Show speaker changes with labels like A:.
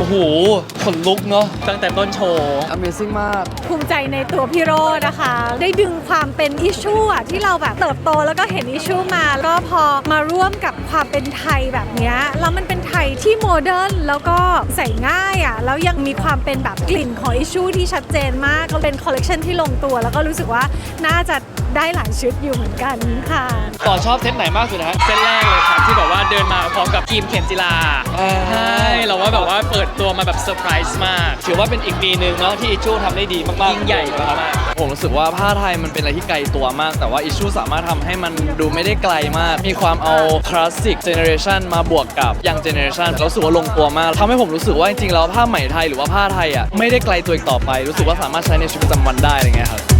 A: อ้โหขนลุกเนาะตั้งแต่ต้นโชว์
B: Amazing มาก
C: ภูมิใจในตัวพี่โรจน์นะคะ ได้ดึงความเป็นอิชชูอะที่เราแบบเติบโตแล้วก็เห็นอิชชูมาแล้วก็พอมาร่วมกับความเป็นไทยแบบเนี้ยแล้วมันเป็นไทยที่โมเดิร์นแล้วก็ใส่ง่ายอะแล้วยังมีความเป็นแบบกลิ่นของอิชชูที่ชัดเจนมากก็เป็นคอลเลกชันที่ลงตัวแล้วก็รู้สึกว่าน่าจะได้หลายชุดอยู่เหมือนกันค่ะ
A: ต่อชอบเซตไหนมากสุดนะฮะเซตแรกเลยครับที่แบบว่าเดินมาพร้อมกับทีมเข็มจิลาใช่เราว่าแบบว่าเปิดตัวมาแบบเซอร์ไพรส์มากถือว่าเป็นอีกปีหนึ่งเนาะที่อิชชูทำได้ดีมากๆยิ่งใหญ่มากๆ
B: ผมรู้สึกว่าผ้าไทยมันเป็นอะไรที่ไกลตัวมากแต่ว่าอิชชูสามารถทำให้มันดูไม่ได้ไกลมาก มีความเอาคลาสสิกเจเนอเรชันมาบวกกับยังเจเนอเรชันรู้สึกว่าลงตัวมากทำให้ผมรู้สึกว่าจริงๆแล้วผ้าไหมไทยหรือว่าผ้าไทยอ่ะไม่ได้ไกลตัวอีกต่อไปรู้สึกว่าสามารถใช้ในชีวิตประจำวันได้อะไรเงี้ยครับ